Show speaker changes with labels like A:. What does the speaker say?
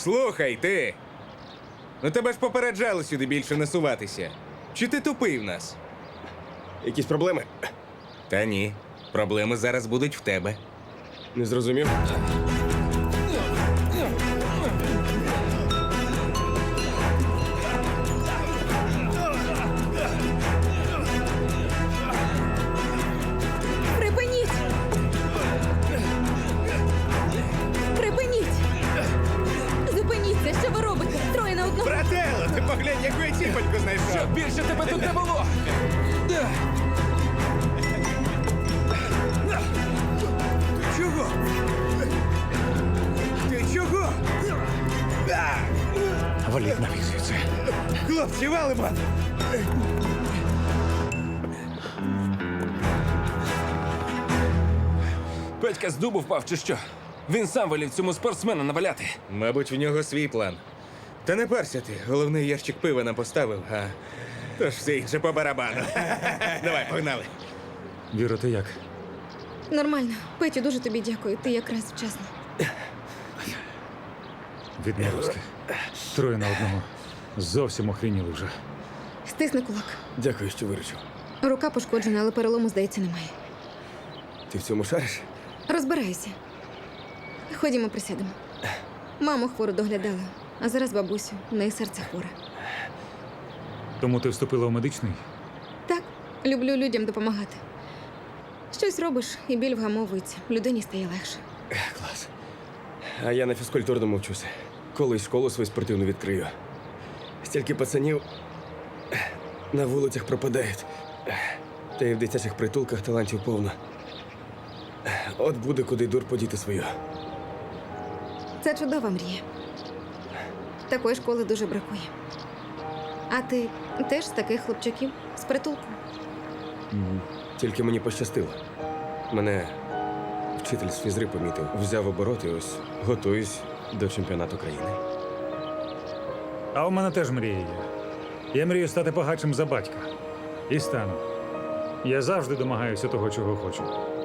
A: Слухай, ти! Ну тебе ж попереджали сюди більше не суватися. Чи ти тупий в нас?
B: Якісь проблеми?
A: Та ні. Проблеми зараз будуть в тебе.
B: Не зрозумів?
C: Припиніть! Припиніть! Зупиніться, що ви робите? Троє на одного.
A: Брателло, ти поглянь, яку я ціпочку знайшов!
D: Більше тебе тут не було!
A: Ти чого? Ти чого?
D: Валіть навісується.
A: Хлопці, валимо!
D: Петька з дубу впав чи що? Він сам волів цьому спортсмену наваляти.
A: Мабуть, в нього свій план. Та не парся ти, головний ящик пива нам поставив, а тож все інше по барабану. Давай, погнали.
E: Віро, ти як?
C: Нормально. Петю, дуже тобі дякую. Ти якраз вчасно.
E: Відмовився. Троє на одного. Зовсім охреніли вже.
C: Стисни кулак.
B: Дякую, що виручив.
C: Рука пошкоджена, але перелому, здається, немає.
B: Ти в цьому шариш?
C: Розбираюся. Ходімо, присядемо. Маму хвору доглядала, а зараз бабусю. У неї серце хворе.
E: Тому ти вступила в медичний?
C: Так, люблю людям допомагати. Щось робиш, і біль вгамовується. Людині стає легше.
B: Клас. А я на фізкультурному вчуся. Колись школу свою спортивну відкрию. Стільки пацанів на вулицях пропадають. Та й в дитячих притулках талантів повно. От буде куди дур подіти свою.
C: Це чудова мрія. Такої школи дуже бракує. А ти теж з таких хлопчаків з притулку?
B: Тільки мені пощастило. Мене вчитель з фізри помітив, взяв оборот і ось готуюсь до чемпіонату країни.
E: А у мене теж мрія є. Я мрію стати багатшим за батька. І стану. Я завжди домагаюся того, чого хочу.